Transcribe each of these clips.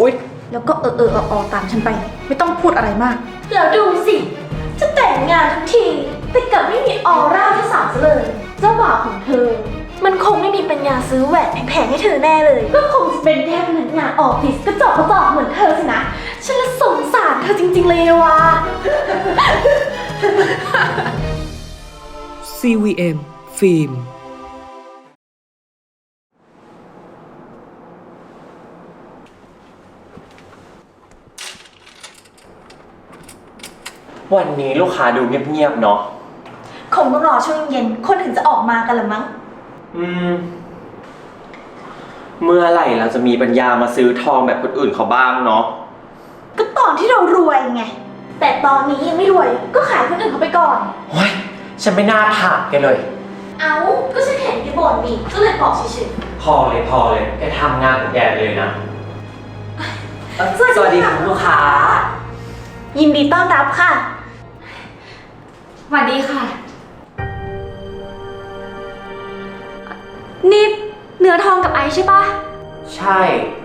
อุ๊ยแล้วก็อตามฉันไปไม่ต้องพูดอะไรมากแล้วดูสิจะแต่งงานทั้งทีแต่กลับไม่มีออร่าเจ้าสาวซะเลยเจ้าบ่าวของเธอมันคงไม่มีปัญญาซื้อแหวนแพงๆให้เธอแน่เลยก็คงจะเป็นแค่พนักงานออฟฟิศกระจอกเหมือนเธอสินะฉันละสงสารเธอจริงๆเลยว่ะ CVM ฟิล์มวันนี้ลูกค้าดูเงียบๆเนาะคงต้องรอช่วงเย็นคนถึงจะออกมากันละมั้งเมื่อไหร่เราจะมีปัญญามาซื้อทองแบบคนอื่นเขาบ้างเนาะก็ตอนที่เรารวยไงแต่ตอนนี้ยังไม่รวยก็ขายคนอื่นเขาไปก่อนโอ้ยฉันไม่น่าถามแกเลยก็ฉันเห็นแกบ่นนี่ก็เลยบอกเฉยพอเลยแกทำงานของแกไปเลยนะๆสวัสดีคุณลูกค้ายินดีต้อนรับค่ะสวัสดีค่ะนี่เนื้อทองกับไอซ์ใช่ปะใช่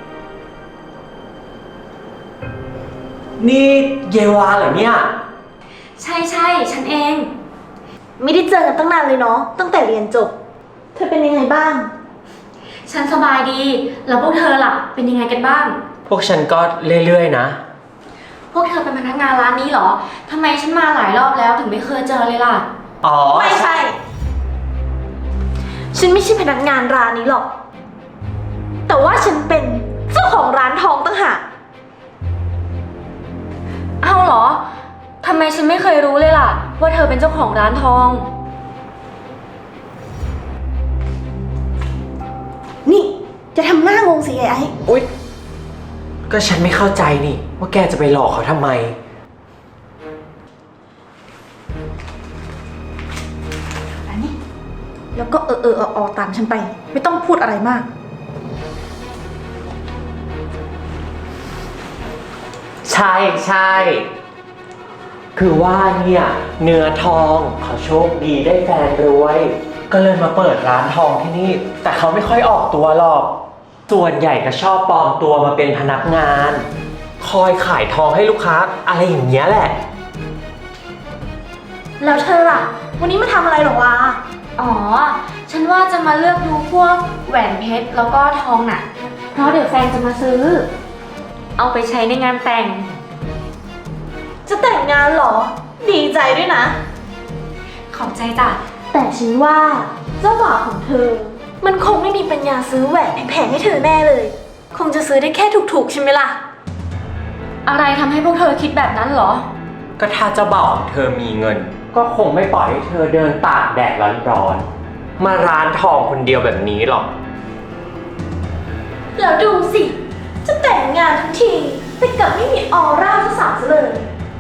นี่เยวาเหรอเนี่ยใช่ฉันเองไม่ได้เจอกันตั้งนานเลยเนาะตั้งแต่เรียนจบเธอเป็นยังไงบ้างฉันสบายดีแล้วพวกเธอล่ะเป็นยังไงกันบ้างพวกฉันก็เรื่อยๆนะพวกเธอเป็นพนักงานร้านนี้เหรอทำไมฉันมาหลายรอบแล้วถึงไม่เคยเจอเลยล่ะอ๋อไม่ใช่ฉันไม่ใช่พนักงานร้านนี้หรอกแต่ว่าฉันเป็นเจ้าของร้านทองตั้งหากอ้าวเหรอทำไมฉันไม่เคยรู้เลยล่ะว่าเธอเป็นเจ้าของร้านทองนี่จะทำหน้างงสิไอ้อุ๊ยก็ฉันไม่เข้าใจนี่ว่าแกจะไปหลอกเขาทำไมอันนี้แล้วก็ตามฉันไปไม่ต้องพูดอะไรมากใช่คือว่าเนี่ยเนื้อทองเขาโชคดีได้แฟนรวยก็เลยมาเปิดร้านทองที่นี่แต่เขาไม่ค่อยออกตัวหรอกส่วนใหญ่ก็ชอบปลอมตัวมาเป็นพนักงานคอยขายทองให้ลูกค้าอะไรอย่างเงี้ยแหละแล้วเธอล่ะวันนี้มาทำอะไรหรอวะอ๋อฉันว่าจะมาเลือกดูพวกแหวนเพชรแล้วก็ทองน่ะเพราะเดี๋ยวแฟนจะมาซื้อเอาไปใช้ในงานแต่งจะแต่งงานเหรอดีใจด้วยนะขอบใจจ้ะแต่ฉันว่าเจ้าบ่าวของเธอมันคงไม่มีปัญญาซื้อแหวนแพงๆให้เธอแน่เลยคงจะซื้อได้แค่ถูกๆใช่ไหมล่ะอะไรทำให้พวกเธอคิดแบบนั้นเหรอก็ถ้าเจ้าบ่าวของเธอมีเงินก็คงไม่ปล่อยให้เธอเดินตากแดดร้อนๆมาร้านทองคนเดียวแบบนี้หรอกแล้วดูสิจะแต่งงานทั้งทีแต่กลับไม่มีออร่าเจ้าสาวซะเลย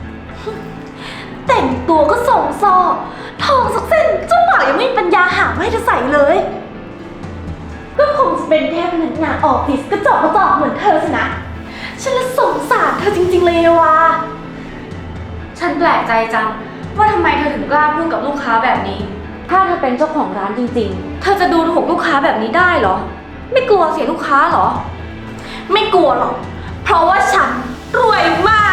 แต่งตัวก็ส่งซอทองสักเส้นเจ้าบ่าวยังไม่มีปัญญาหาไม่จะใส่เลยก็คงจะเป็นแค่พนักงานออฟฟิศกระจอกเหมือนเธอสินะฉันละสงสารเธอจริงๆเลยว่ะฉันแปลกใจจังว่าทำไมเธอถึงกล้าพูดกับลูกค้าแบบนี้ถ้าเธอเป็นเจ้าของร้านจริงๆเธอจะดูถูกลูกค้าแบบนี้ได้เหรอไม่กลัวเสียลูกค้าเหรอไม่กลัวหรอกเพราะว่าฉันรวยมาก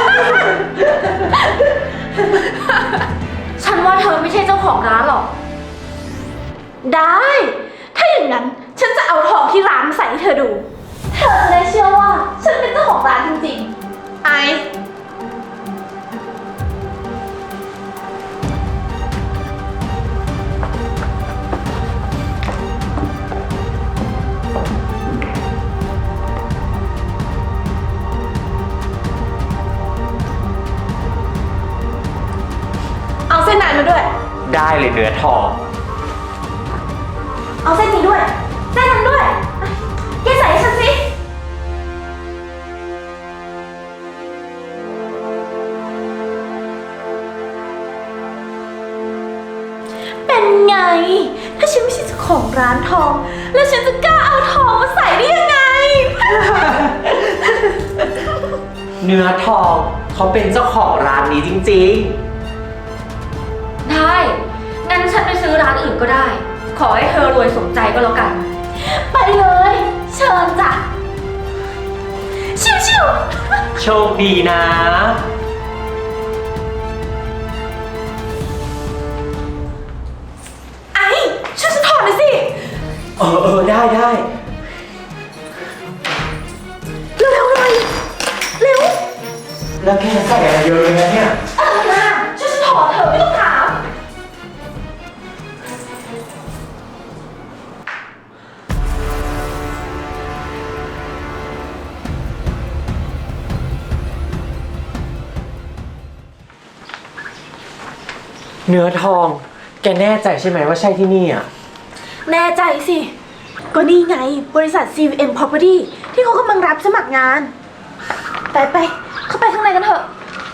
ฉันว่าเธอไม่ใช่เจ้าของร้านหรอกได้ถ้าอย่างนั้นฉันจะเอาทองที่ร้านมาใส่ให้เธอดูเธอจะได้เชื่อว่าฉันเป็นเจ้าของร้านจริงๆไอซ์เอาเส้นนั้นมาด้วยได้เลยเนื้อทองเอาเส้นนี้ด้วยเส้นนั้นด้วยแกใส่ให้ฉันสิเป็นไงถ้าฉันไม่ใช่เจ้าของร้านทองแล้วฉันจะกล้าเอาทองมาใส่ได้ยังไงเนื้อทองเขาเป็นเจ้าของร้านนี้จริงๆได้งั้นฉันไปซื้อร้านอื่นก็ได้ขอให้เธอรวยสมใจก็แล้วกันไปเลยเชิญจ้ะชิโชคดีนะไอ้ช่วยฉันถอดหน่อยสิได้ได้เร็วๆหน่อยเร็วแล้วแกใส่อะไรเยอะเลยนะเนี่ยนะช่วยฉันถอดเถอะไม่ต้องถามเนื้อทอง แกแน่ใจใช่ไหมว่าใช่ที่นี่อ่ะแน่ใจสิ ก็นี่ไงบริษัท CVM Property ที่เขากำลังรับสมัครงาน ไปเข้าไปข้างในกันเถอะ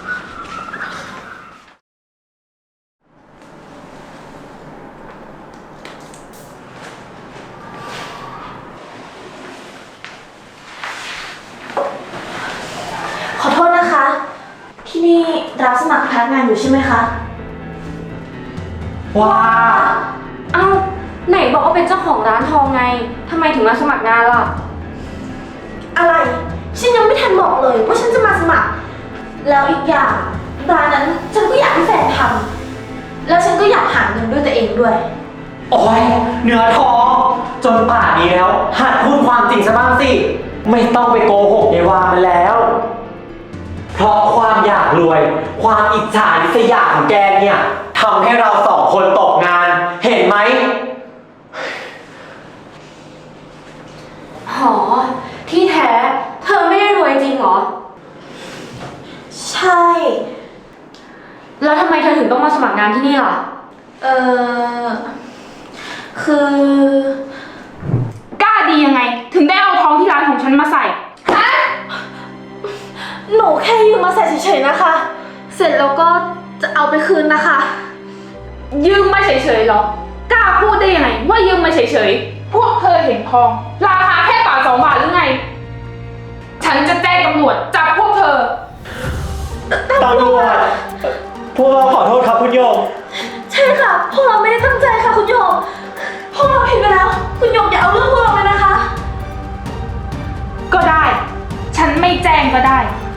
ขอโทษนะคะ ที่นี่รับสมัครพนักงานอยู่ใช่ไหมคะว้าเอ้าไหนบอกว่าเป็นเจ้าของร้านทองไงทำไมถึงมาสมัครงานล่ะอะไร ฉันยังไม่ทันบอกเลยว่าฉันจะมาสมัคร แล้วอีกอย่างร้านนั้นฉันก็อยากให้แฟนทำแล้วฉันก็อยากหาเงินด้วยตัวเองด้วยโอ้ยเนื้อทอง จนป่านนี้แล้ว หัดพูดความจริงซะบ้างสิ ไม่ต้องไปโกหกในวามันแล้ว เพราะความอยากรวย ความอิจฉาริษยาของแกเนี่ยทำให้เราสองคนตกงาน เห็นไหมหอ ที่แท้ เธอไม่ได้รวยจริงเหรอใช่แล้วทำไมเธอถึงต้องมาสมัครงานที่นี่ล่ะเออคือกล้าดียังไง ถึงได้เอาทองที่ร้านของฉันมาใส่หนูแค่ยืมมาใส่เฉยๆนะคะ เสร็จแล้วก็จะเอาไปคืนนะคะยืมมาเฉยๆหรอ กล้าพูดได้ยังไงว่ายืมมาเฉยๆ พวกเธอเห็นทองราคาแค่บาท2 บาทหรือไง ฉันจะแจ้งตำรวจจับพวกเธอตำรวจ พวกเราขอโทษครับคุณโยมใช่ค่ะ พวกเราไม่ได้ตั้งใจค่ะคุณโยม พวกเราผิดไปแล้ว คุณโยมอย่าเอาเรื่องพวกเราเลยนะคะก็ได้ ฉันไม่แจ้งก็ได้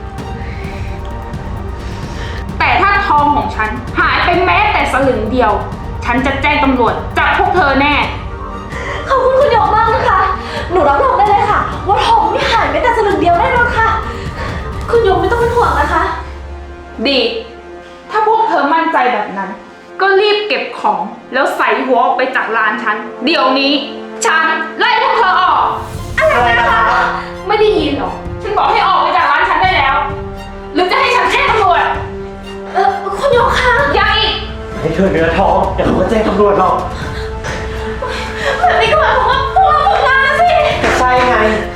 แต่ถ้าทองของฉันหายไปแม้แต่สลึงเดียว ฉันจะแจ้งตำรวจจับพวกเธอแน่ขอบคุณคุณโยมมากนะคะ หนูรับรองได้เลยค่ะ ว่าทองไม่หายแม้แต่สลึงเดียวแน่นอนค่ะ คุณโยมไม่ต้องเป็นห่วงนะคะดี ถ้าพวกเธอมั่นใจแบบนั้น ก็รีบเก็บของแล้วใส่หัวออกไปจากร้านฉัน เดี๋ยวนี้ ฉันไล่พวกเธอออกอะไรนะคะไม่ได้ยินหรอ ฉันบอกให้ออกไปจากร้านฉันได้แล้ว หรือจะให้ฉันแจ้งตำรวจคุณโยมคะยังอีกให้เธอเนื้อทอง เดี๋ยวเขาก็แจ้งตำรวจหรอกแบบนี้ก็หมายความว่าพวกเราฝึกงานแล้วสิก็ใช่ไง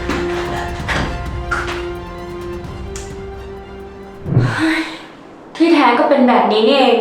ที่แท้ก็เป็นแบบนี้นี่เอง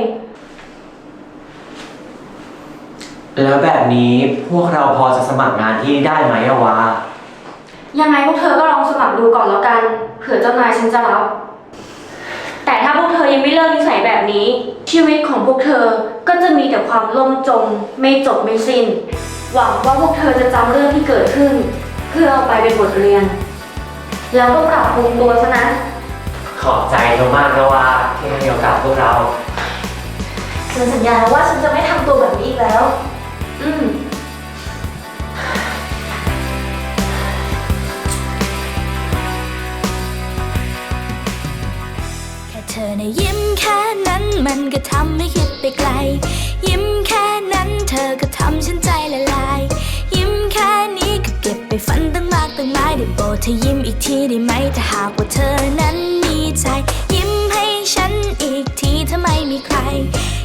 แล้วแบบนี้พวกเราพอจะสมัครงานที่นี่ได้ไหมอะวะยังไงพวกเธอก็ลองสมัครดูก่อนแล้วกัน เผื่อเจ้านายฉันจะรับ แต่ถ้าพวกเธอยังไม่เลิกนิสัยแบบนี้ ชีวิตของพวกเธอก็จะมีแต่ความล่มจม ไม่จบไม่สิ้น หวังว่าพวกเธอจะจำเรื่องที่เกิดขึ้น เพื่อเอาไปเป็นบทเรียน แล้วก็ปรับปรุงตัวซะนะขอบใจเธอมากนะว่าที่ให้โอกาสพวกเราฉันสัญญาว่าฉันจะไม่ทำตัวแบบนี้อีกแล้วอืมแค่เธอนะยิ้มแค่นั้นมันก็ทำให้คิดไปไกล ยิ้มแค่นั้นเธอก็ทำฉันใจละลาย ยิ้มแค่นี้ก็เก็บไปฝันตั้งมากตั้งหลายได้โปรดเธอยิ้มอีกทีได้ไหมถ้าหากว่าเธอนั้นมีใจ ยิ้มให้ฉันอีกทีถ้าไม่มีใคร